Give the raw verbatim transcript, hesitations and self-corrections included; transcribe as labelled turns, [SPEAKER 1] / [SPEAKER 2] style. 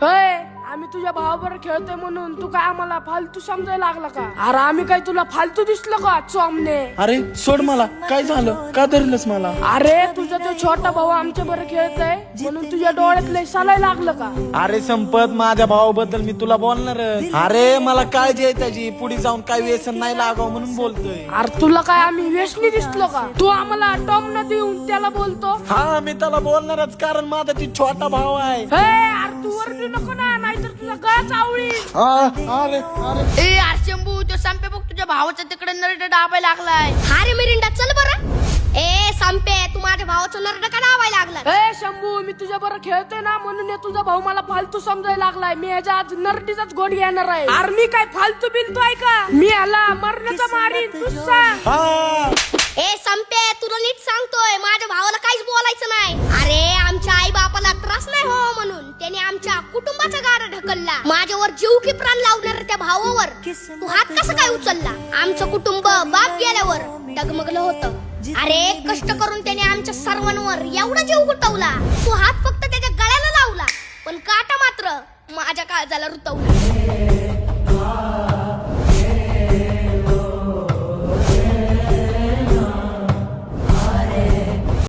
[SPEAKER 1] होय, आम्ही तुझ्या भावाबरोबर खेळतोय म्हणून तू काय आम्हाला फालतू समजायला लागला का? अरे आम्ही काय तुला फालतू दिसलो का चोमने?
[SPEAKER 2] अरे सोड मला, काय झालं? का धरलंस मला?
[SPEAKER 1] अरे तुझा तो छोटा भाऊ आमच्या बरोबर खेळतोय म्हणून तुझ्या डोळ्यात लय सालाय लागलं का?
[SPEAKER 2] अरे संपत, माझ्या भावाबद्दल मी तुला बोलणार. अरे मला काळजी आहे त्याची, पुढे जाऊन काय व्यसन नाही लागावं म्हणून बोलतोय.
[SPEAKER 1] अरे तुला काय आम्ही व्यसनी दिसलो का? तू आम्हाला टॉम न देऊन त्याला बोलतो?
[SPEAKER 2] हा मी त्याला बोलणारच, कारण माझा ती छोटा भाव आहे.
[SPEAKER 1] हे अरे तू वरडू नको ना, नाहीतर तुझा गळाच आवळी.
[SPEAKER 2] अरे अरे
[SPEAKER 3] ए यार शंभू, तो संपे बघ तुझ्या भावाच्या तिकडे नरड डाबायला लागलाय. अरे मिरिंडा चल बरं. ए संपे, तू माझ्या भावाचं नरड का डाबायला लागला?
[SPEAKER 1] ए शंभू, मी तुझ्या बरोबर खेळतोय ना म्हणून हे तुझा भाऊ मला फालतू समजायला लागलाय. मी ह्याच्या आज नरडीचाच गोड घेणार आहे. अरे मी काय फालतू बिलतो आहे का? मी ह्याला मरण्याचा मारीन, तू सांग.
[SPEAKER 2] हा
[SPEAKER 3] ए संपे, तुला नीट सांगतोय, माझ्या भावाला काहीच बोलायचं नाही. अरे आमच्या आई बापाला त्रास नाही हो म्हणून त्याने आमच्या कुटुंबाचा गाडा ढकलला. माझ्यावर जीव की प्राण लावणार त्या भावावर तू हात कसा काय उचलला? आमचं कुटुंब बाप गेल्यावर डगमगलं होतं. अरे कष्ट करून त्याने आमच्या सर्वांवर एवढा जीव गुंतवला. तू हात फक्त त्याच्या गळ्याला लावला, पण काटा मात्र माझ्या काळजाला रुतवला.